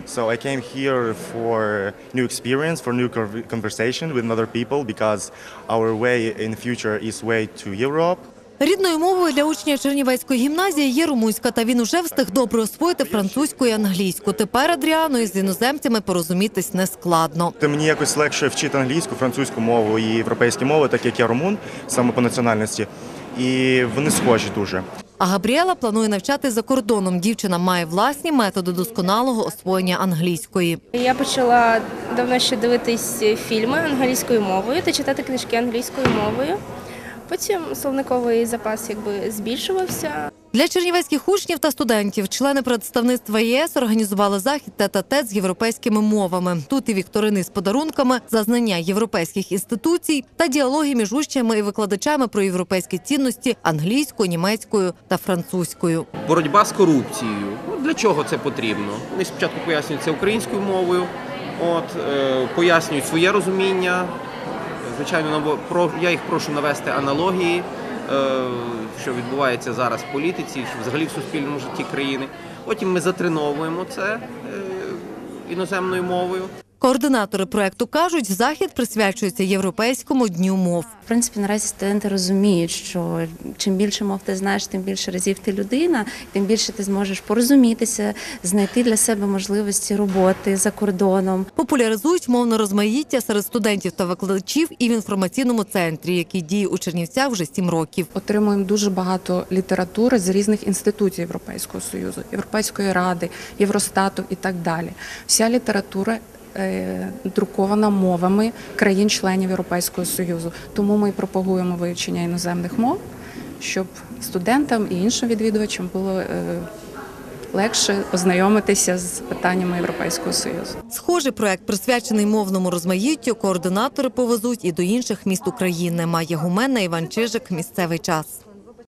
So I came here for new experience, for new conversation with other people, because our way in the future is way to Europe. Рідною мовою для учня Чернівецької гімназії є румунська, та він уже встиг добре освоїти французьку і англійську. Тепер Адріану із іноземцями порозумітись нескладно. Мені якось легше вчити англійську, французьку мову і європейські мови, так як я румун, саме по національності, і вони схожі дуже. А Габріела планує навчати за кордоном. Дівчина має власні методи досконалого освоєння англійської. Я почала давно ще дивитись фільми англійською мовою та читати книжки англійською мовою. Потім словниковий запас збільшувався. Для чернівецьких учнів та студентів члени представництва ЄС організували захід тет-а-тет з європейськими мовами. Тут і вікторини з подарунками за знання європейських інституцій та діалоги між учнями і викладачами про європейські цінності англійською, німецькою та французькою. Боротьба з корупцією. Для чого це потрібно? Вони спочатку пояснюють це українською мовою, пояснюють своє розуміння. Звичайно, я їх прошу навести аналогії, що відбувається зараз в політиці, взагалі в суспільному житті країни. Потім ми затреновуємо це іноземною мовою. Координатори проєкту кажуть, захід присвячується Європейському дню мов. В принципі, наразі студенти розуміють, що чим більше мов ти знаєш, тим більше разів ти людина, тим більше ти зможеш порозумітися, знайти для себе можливості роботи за кордоном. Популяризують мовне розмаїття серед студентів та викладачів і в інформаційному центрі, який діє у Чернівцях вже 7 років. Отримуємо дуже багато літератури з різних інституцій Європейського Союзу, Європейської Ради, Євростату і так далі. Вся література друкована мовами країн-членів Європейського Союзу. Тому ми пропагуємо вивчення іноземних мов, щоб студентам і іншим відвідувачам було легше ознайомитися з питаннями Європейського Союзу. Схожий проект, присвячений мовному розмаїттю, координатори повезуть і до інших міст України. Майя Гуменна, Іван Чижик. Місцевий час.